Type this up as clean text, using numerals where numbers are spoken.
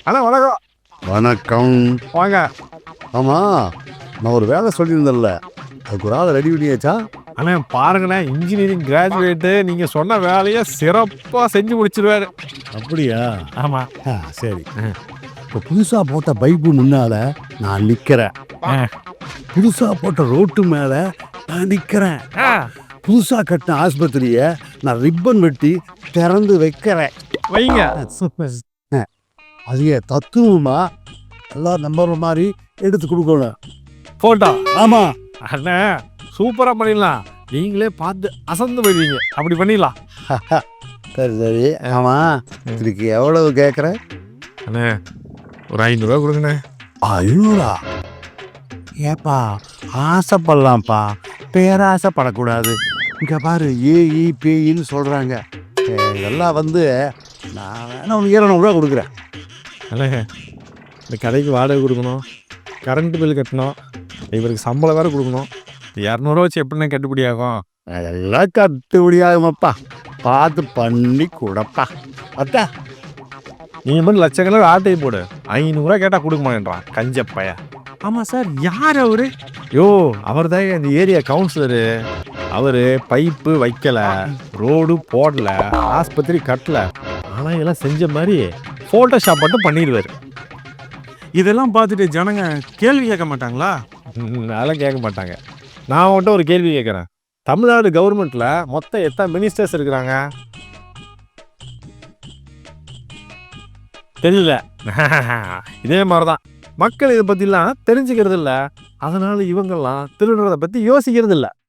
அண்ணா வணக்கம். வணக்கம். வாங்க. ஆமாம், நான் ஒரு வேலை சொல்லியிருந்தேன்ல, அதுக்கு ஒரு ஆளை ரெடி பண்ணியாச்சா? அண்ணா பாருங்கண்ணே, இன்ஜினியரிங் கிராஜுவேட்டு. நீங்கள் சொன்ன வேலையை சிறப்பாக செஞ்சு முடிச்சிருவாரு. அப்படியா? ஆமாம். சரி. இப்போ புதுசாக போட்ட பைப்பு முன்னால் நான் நிற்கிறேன். புதுசாக போட்ட ரோட்டு மேலே நான் நிற்கிறேன். புதுசாக கட்டின ஆஸ்பத்திரியை நான் ரிப்பன் வெட்டி திறந்து வைக்கிறேன். வைங்க. அதையே தத்துவமா எல்லாம் நம்புற மாதிரி எடுத்து கொடுக்கணும். போட்டோ. ஆமாம் அண்ணா சூப்பராக பண்ணிடலாம். நீங்களே பார்த்து அசந்து போயிடுவீங்க. அப்படி பண்ணிடலாம். சரி சரி. ஆமாம், இதுக்கு எவ்வளவு கேட்குறேன்? அண்ணே ஒரு 500 ரூபா கொடுங்கண்ணே. 500? ஏப்பா ஆசைப்படலாம்ப்பா, பேராசைப்படக்கூடாது. இங்கே பாரு, ஏஇ பேயின்னு சொல்கிறாங்க. இதெல்லாம் நான் வேணா உனக்கு 200 ரூபா கொடுக்குறேன். அண்ணே இந்த கடைக்கு வாடகை கொடுக்கணும், கரண்ட் பில் கட்டணும், இவருக்கு சம்பளம் வேறு கொடுக்கணும். 200 வச்சு எப்படிண்ணே கட்டுப்படி ஆகும்? அதெல்லாம் கட்டுப்படியாகுமாப்பா, பார்த்து பண்ணி கொடுப்பா. அத்தா நீ மட்டும் லட்சக்கணக்கில் ஆட்டையை போடு. 500 ரூபா கேட்டால் கொடுக்க மாட்டேன்றான் கஞ்சப்பைய. ஆமாம் சார், யார் அவரு? யோ, அவர் தான் இந்த ஏரியா கவுன்சிலரு. அவர் பைப்பு வைக்கல, ரோடு போடல, ஆஸ்பத்திரி கட்டல, ஆனால் இதெல்லாம் செஞ்ச மாதிரி ஃபோட்டோஷாப் மட்டும் பண்ணிடுவார். இதெல்லாம் பார்த்துட்டு ஜனங்க கேள்வி கேட்க மாட்டாங்களா? அதெல்லாம் கேட்க மாட்டாங்க. நான் மட்டும் ஒரு கேள்வி கேட்குறேன். தமிழ்நாடு கவர்மெண்ட்டில் மொத்தம் எத்தனை மினிஸ்டர்ஸ் இருக்கிறாங்க? தெரியல. இதே மாதிரி தான் மக்கள் இதை பற்றிலாம் தெரிஞ்சுக்கிறது இல்லை. அதனால் இவங்கெல்லாம் திருடுறதை பற்றி யோசிக்கிறது இல்லை.